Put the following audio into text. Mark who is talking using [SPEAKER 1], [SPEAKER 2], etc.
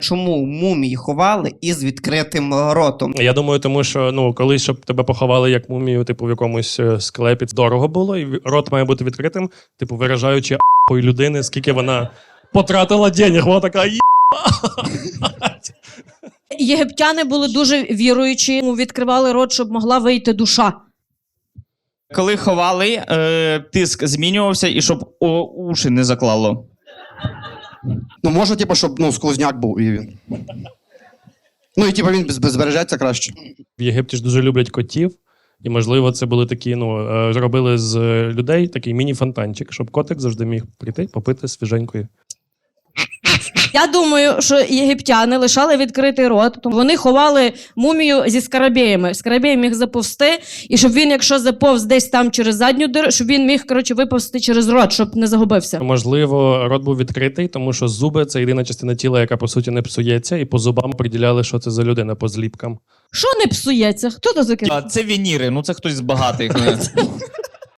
[SPEAKER 1] Чому мумії ховали із відкритим ротом?
[SPEAKER 2] Я думаю, тому що, ну, колись, щоб тебе поховали як мумію, типу, в якомусь склепі, дорого було, і рот має бути відкритим, типу, виражаючи а**ої людини, скільки вона потратила денег. Вона така
[SPEAKER 3] Єгиптяни були дуже віруючі, відкривали рот, щоб могла вийти душа.
[SPEAKER 4] Коли ховали, тиск змінювався, і щоб уші не заклало.
[SPEAKER 5] Ну, може, типу, щоб сквозняк був і він. Ну, і типу він збережеться краще.
[SPEAKER 2] В Єгипті ж дуже люблять котів, і, можливо, це були такі, зробили з людей такий міні-фонтанчик, щоб котик завжди міг прийти, попити свіженької.
[SPEAKER 3] Я думаю, що єгиптяни лишали відкритий рот, тому вони ховали мумію зі скарабеями. Скарабей міг заповзти, і щоб він, якщо заповз десь там через задню диру, щоб він міг, виповзти через рот, щоб не загубився.
[SPEAKER 2] Можливо, рот був відкритий, тому що зуби – це єдина частина тіла, яка, по суті, не псується, і по зубам приділяли, що це за людина, по зліпкам.
[SPEAKER 3] Що не псується? Хто то таке?
[SPEAKER 4] Це вініри, це хтось з багатих.